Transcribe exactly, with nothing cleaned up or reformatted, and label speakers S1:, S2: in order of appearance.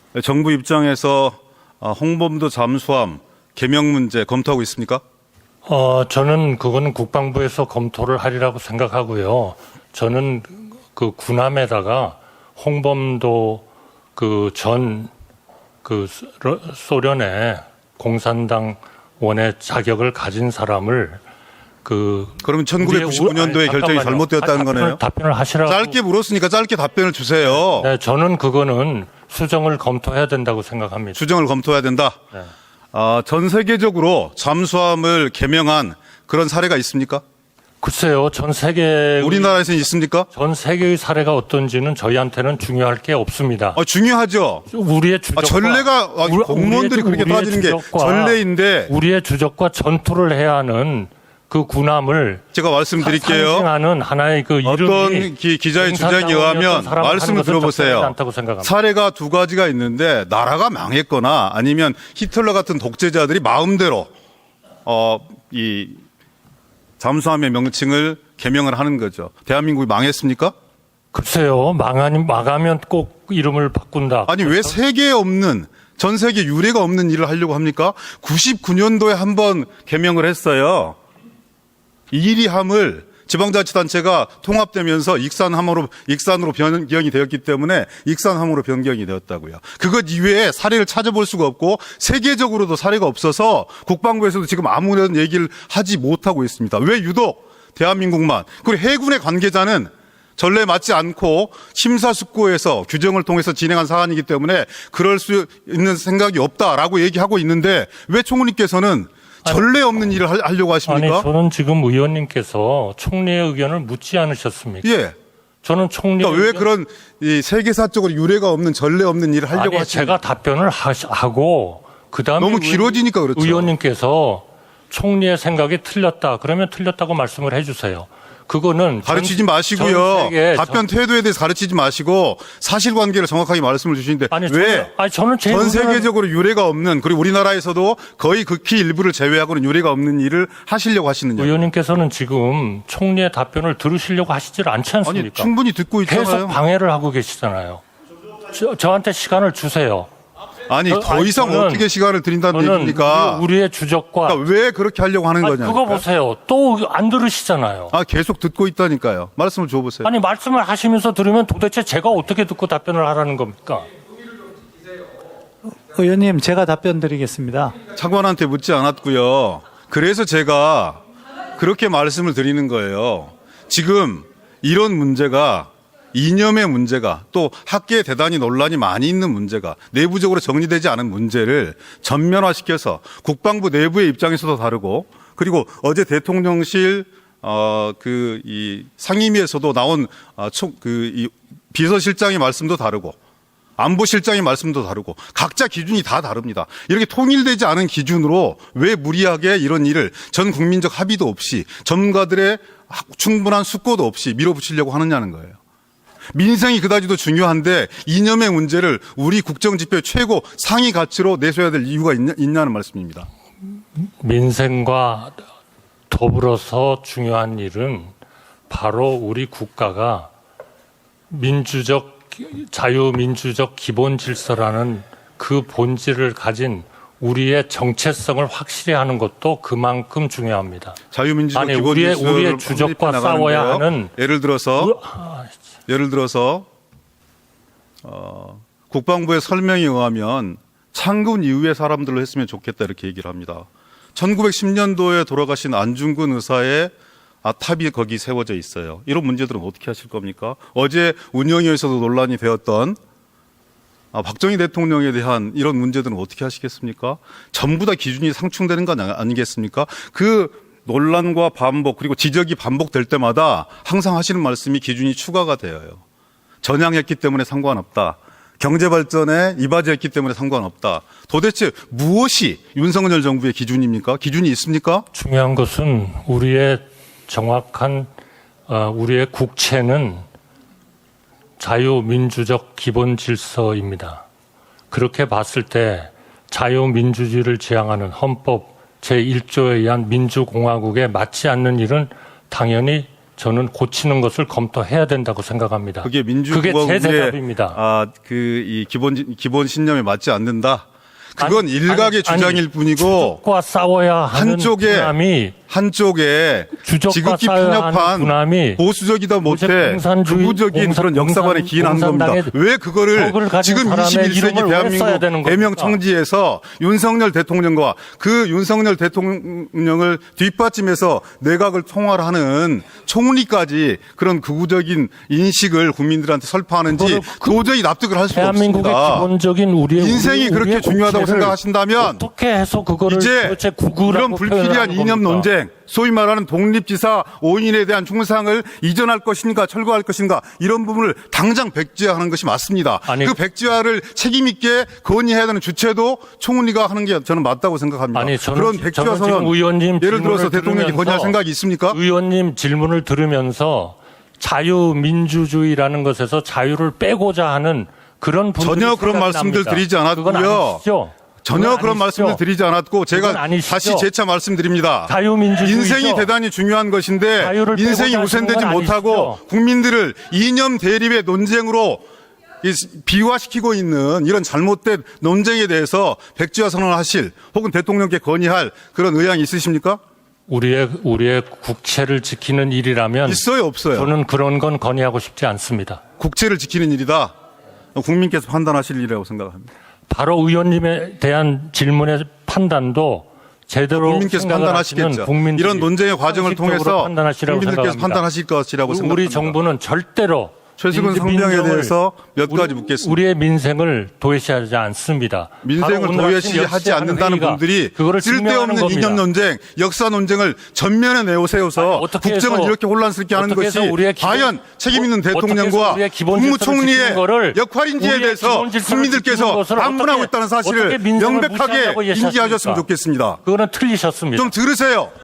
S1: 정부 입장에서 홍범도 잠수함 개명 문제 검토하고 있습니까?
S2: 어, 저는 그거는 국방부에서 검토를 하리라고 생각하고요. 저는 그 군함에다가 홍범도 그 전 그 소련의 공산당 원의 자격을 가진 사람을 그
S1: 그러면 천구백구십구 년도에
S2: 아니,
S1: 결정이
S2: 잠깐만요.
S1: 잘못되었다는
S2: 아니, 답변을,
S1: 거네요.
S2: 답변을 하시라고.
S1: 짧게 물었으니까 짧게 답변을 주세요.
S2: 네, 저는 그거는 수정을 검토해야 된다고 생각합니다.
S1: 수정을 검토해야 된다.
S2: 네.
S1: 아, 전 세계적으로 잠수함을 개명한 그런 사례가 있습니까?
S2: 글쎄요, 전 세계
S1: 우리나라에서는 있습니까?
S2: 전 세계의 사례가 어떤지는 저희한테는 중요할 게 없습니다.
S1: 아, 중요하죠.
S2: 우리의 주적과
S1: 아, 전례가 아,
S2: 우리-
S1: 공무원들이
S2: 우리의-
S1: 그렇게
S2: 우리의
S1: 따지는 게
S2: 주적과
S1: 전례인데
S2: 우리의 주적과 전투를 해야 하는 그 군함을
S1: 제가 말씀드릴게요.
S2: 상징하는 하나의 그 이름이
S1: 어떤 기, 기자의 주장에
S2: 공산당원이었던
S1: 의하면
S2: 사람을 하는
S1: 말씀을
S2: 것은 적절하지
S1: 들어보세요.
S2: 않다고 생각합니다.
S1: 사례가 두 가지가 있는데 나라가 망했거나 아니면 히틀러 같은 독재자들이 마음대로 어, 이 잠수함의 명칭을 개명을 하는 거죠. 대한민국이 망했습니까?
S2: 글쎄요, 망하니 망하면 꼭 이름을 바꾼다.
S1: 아니 왜 세계에 없는 전 세계 유례가 없는 일을 하려고 합니까? 구십구 년도에 한 번 개명을 했어요. 이리함을 지방자치단체가 통합되면서 익산함으로 익산으로 변경이 되었기 때문에 익산함으로 변경이 되었다고요. 그것 이외에 사례를 찾아볼 수가 없고 세계적으로도 사례가 없어서 국방부에서도 지금 아무런 얘기를 하지 못하고 있습니다. 왜 유독 대한민국만? 그리고 해군의 관계자는 전례에 맞지 않고 심사숙고해서 규정을 통해서 진행한 사안이기 때문에 그럴 수 있는 생각이 없다라고 얘기하고 있는데 왜 총리께서는 전례 없는 일을 하려고 하십니까?
S2: 아니, 저는 지금 의원님께서 총리의 의견을 묻지 않으셨습니까?
S1: 예.
S2: 저는 총리
S1: 그러니까 왜 그런 이 세계사적으로 유례가 없는 전례 없는 일을 하려고
S2: 아니,
S1: 하십니까?
S2: 제가 답변을 하시, 하고 그다음에
S1: 너무 길어지니까 그렇죠.
S2: 의원님께서 총리의 생각이 틀렸다. 그러면 틀렸다고 말씀을 해주세요. 그거는
S1: 가르치지
S2: 전-
S1: 마시고요.
S2: 전 세계
S1: 답변
S2: 전-
S1: 태도에 대해서 가르치지 마시고 사실관계를 정확하게 말씀을 주시는데
S2: 아니,
S1: 왜
S2: 저는, 아니 저는 제
S1: 전
S2: 의견을-
S1: 세계적으로 유례가 없는 그리고 우리나라에서도 거의 극히 일부를 제외하고는 유례가 없는 일을 하시려고 하시느냐?
S2: 의원님께서는 지금 총리의 답변을 들으시려고 하시질 않지
S1: 아니
S2: 않습니까?
S1: 충분히 듣고
S2: 계속
S1: 있잖아요.
S2: 방해를 하고 계시잖아요. 저, 저한테 시간을 주세요.
S1: 아니
S2: 저-
S1: 더
S2: 아니,
S1: 이상
S2: 저는-
S1: 어떻게 시간을 드린다는
S2: 저는
S1: 얘기입니까?
S2: 우리, 우리의 주적과
S1: 그러니까 왜 그렇게 하려고 하는
S2: 아니,
S1: 거냐?
S2: 그거 보세요. 또 안 들으시잖아요.
S1: 아 계속 듣고 있다니까요. 말씀을 줘보세요.
S2: 아니 말씀을 하시면서 들으면 도대체 제가 어떻게 듣고 답변을 하라는 겁니까?
S3: 의원님, 제가 답변 드리겠습니다.
S1: 차관한테 묻지 않았고요. 그래서 제가 그렇게 말씀을 드리는 거예요. 지금 이런 문제가 이념의 문제가 또 학계에 대단히 논란이 많이 있는 문제가 내부적으로 정리되지 않은 문제를 전면화시켜서 국방부 내부의 입장에서도 다르고 그리고 어제 대통령실 어 그 이 상임위에서도 나온 어총그 이 비서실장의 말씀도 다르고 안보실장의 말씀도 다르고 각자 기준이 다 다릅니다. 이렇게 통일되지 않은 기준으로 왜 무리하게 이런 일을 전 국민적 합의도 없이 전문가들의 충분한 숙고도 없이 밀어붙이려고 하느냐는 거예요. 민생이 그다지도 중요한데 이념의 문제를 우리 국정지표 최고 상위 가치로 내세워야 될 이유가 있냐, 있냐는 말씀입니다.
S2: 민생과 더불어서 중요한 일은 바로 우리 국가가 민주적 자유민주적 기본 질서라는 그 본질을 가진 우리의 정체성을 확실히 하는 것도 그만큼 중요합니다.
S1: 자유민주적
S2: 아니,
S1: 기본
S2: 우리의-
S1: 질서를
S2: 우리의 주적과
S1: 확립해
S2: 싸워야
S1: 나가는데요.
S2: 하는
S1: 예를 들어서
S2: 우- 아,
S1: 예를 들어서 어, 국방부의 설명에 의하면 창군 이후의 사람들로 했으면 좋겠다 이렇게 얘기를 합니다. 천구백십 년도에 돌아가신 안중근 의사의 아탑이 거기 세워져 있어요. 이런 문제들은 어떻게 하실 겁니까? 어제 운영위에서도 논란이 되었던 아, 박정희 대통령에 대한 이런 문제들은 어떻게 하시겠습니까? 전부 다 기준이 상충되는 건 아니겠습니까? 그 논란과 반복 그리고 지적이 반복될 때마다 항상 하시는 말씀이 기준이 추가가 되어요. 전향했기 때문에 상관없다. 경제발전에 이바지했기 때문에 상관없다. 도대체 무엇이 윤석열 정부의 기준입니까? 기준이 있습니까?
S2: 중요한 것은 우리의 정확한 어, 우리의 국채는 자유민주적 기본 질서입니다. 그렇게 봤을 때 자유민주주의를 지향하는 헌법 제일 조에 의한 민주공화국에 맞지 않는 일은 당연히 저는 고치는 것을 검토해야 된다고 생각합니다.
S1: 그게
S2: 그게
S1: 민주주의의
S2: 제 대답입니다.
S1: 아, 그 이 기본 기본 신념에 맞지 않는다. 그건
S2: 아니,
S1: 일각의
S2: 아니,
S1: 주장일
S2: 아니,
S1: 뿐이고
S2: 주적과 싸워야 하는
S1: 한쪽에
S2: 분함이
S1: 한쪽에
S2: 주적과
S1: 지극히
S2: 싸워야 하는
S1: 편협한
S2: 분함이
S1: 보수적이다 못해
S2: 공산주의,
S1: 극우적인
S2: 공산-
S1: 그런 역사관에
S2: 공산-
S1: 기인하는 겁니다.
S2: 공산당의
S1: 왜 그거를
S2: 적을 가진
S1: 지금
S2: 사람의
S1: 이십일 세기
S2: 이름을 왜 써야
S1: 대한민국
S2: 되는 겁니까?
S1: 대명 청지에서 윤석열 대통령과 그 윤석열 대통령을 뒷받침해서 내각을 통할하는 총리까지 그런 극우적인 인식을 국민들한테 설파하는지
S2: 그거를 그-
S1: 도저히 납득을 할 수가
S2: 대한민국의
S1: 없습니다.
S2: 기본적인 우리의
S1: 인생이
S2: 우리-
S1: 그렇게
S2: 우리의
S1: 중요하다고
S2: 국회를
S1: 생각하신다면
S2: 어떻게 해서 그거를
S1: 이제
S2: 도대체
S1: 그런
S2: 구구라고
S1: 불필요한
S2: 표현하는
S1: 이념
S2: 겁니까?
S1: 논쟁, 소위 말하는 독립지사 오 인에 대한 충상을 이전할 것인가 철거할 것인가 이런 부분을 당장 백지화하는 것이 맞습니다.
S2: 아니,
S1: 그 백지화를 책임 있게 건의해야 되는 주체도 총리가 하는 게 저는 맞다고 생각합니다.
S2: 아니, 저는
S1: 그런
S2: 지-
S1: 백지화
S2: 저는 지금
S1: 선언
S2: 의원님
S1: 예를 들어서
S2: 질문을
S1: 대통령이 건의할
S2: 들으면서
S1: 생각이 있습니까?
S2: 의원님 질문을 들으면서 자유민주주의라는 것에서 자유를 빼고자 하는 그런 분들이
S1: 전혀 그런
S2: 생각이
S1: 말씀들
S2: 납니다.
S1: 드리지 않았고요.
S2: 그건 아니시죠?
S1: 전혀
S2: 그건
S1: 그런
S2: 아니시죠?
S1: 말씀을 드리지 않았고 제가
S2: 그건 아니시죠?
S1: 다시 재차 말씀드립니다.
S2: 자유민주주의죠.
S1: 인생이 대단히 중요한 것인데
S2: 자유를
S1: 인생이
S2: 빼고자
S1: 우선되지
S2: 하시는 건
S1: 못하고
S2: 아니시죠?
S1: 국민들을 이념 대립의 논쟁으로 이 비화시키고 있는 이런 잘못된 논쟁에 대해서 백지화 선언을 하실 혹은 대통령께 건의할 그런 의향이 있으십니까?
S2: 우리의 우리의 국채를 지키는 일이라면
S1: 있어요, 없어요?
S2: 저는 그런 건 건의하고 싶지 않습니다.
S1: 국채를 지키는 일이다. 국민께서 판단하실 일이라고 생각합니다.
S2: 바로 의원님에 대한 질문의 판단도 제대로
S1: 국민께서
S2: 생각을 하시는
S1: 판단하시겠죠.
S2: 국민들이
S1: 이런 논쟁의 과정을
S2: 상식적으로
S1: 통해서
S2: 판단하시라고
S1: 국민들께서
S2: 생각합니다.
S1: 판단하실 것이라고 생각합니다.
S2: 우리 정부는 절대로
S1: 최수근
S2: 민주-
S1: 성명에
S2: 민정을
S1: 대해서 몇 가지
S2: 우리-
S1: 묻겠습니다.
S2: 우리의 민생을 도외시하지 않습니다.
S1: 민생을
S2: 바로 오늘
S1: 도외시하지
S2: 아침
S1: 않는다는
S2: 회의가
S1: 분들이
S2: 그거를 증명하는
S1: 쓸데없는
S2: 겁니다.
S1: 이념 논쟁, 역사 논쟁을 전면에 내세워서
S2: 아니, 어떻게
S1: 국정을
S2: 해서-
S1: 이렇게 혼란스럽게 하는
S2: 어떻게
S1: 것이
S2: 해서 우리의 기본-
S1: 과연 책임 있는
S2: 어떻게 해서
S1: 대통령과
S2: 우리의 기본 질서를
S1: 국무총리의
S2: 지키는 거를
S1: 역할인지에
S2: 우리의
S1: 대해서
S2: 기본 질서를 지키는
S1: 국민들께서
S2: 것을
S1: 반문하고
S2: 어떻게-
S1: 있다는 사실을
S2: 어떻게 민생을
S1: 명백하게
S2: 무시한다고
S1: 인지하셨으면
S2: 예시하십니까?
S1: 좋겠습니다.
S2: 그거는 틀리셨습니다.
S1: 좀 들으세요.